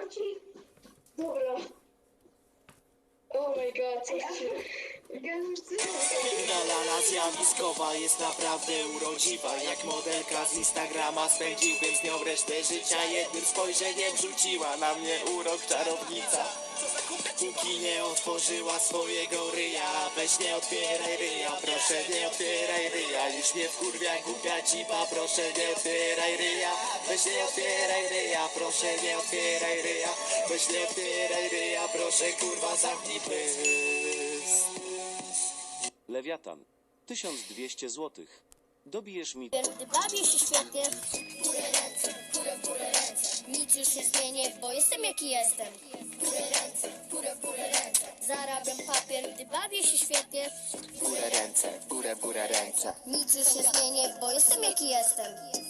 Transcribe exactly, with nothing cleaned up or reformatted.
Marcin? Dobra. Oh my god, coś się... Dalana zjawiskowa jest naprawdę urodziwa. Jak modelka z Instagrama, spędziłbym z nią resztę życia. Jednym spojrzeniem rzuciła na mnie urok czarownica. Póki nie otworzyła swojego ryja, weź nie otwieraj ryja, proszę nie otwieraj ryja. Już mnie wkurwia głupia cipa, proszę nie otwieraj ryja. Weź nie otwieraj ryja, proszę nie otwieraj ryja. Weź nie otwieraj ryja, proszę kurwa zamknij pysk. Lewiatan. tysiąc dwieście złotych. Dobijesz mi... Gdy bawię się świetnie, górę ręce, górę, górę ręce. Nic już nie zmienię, bo jestem jaki jestem. Górę ręce, górę, górę ręce. Zarabiam papier, gdy bawię się świetnie. Górę ręce, górę, górę ręce. Nic już nie zmienię, bo jestem jaki jestem.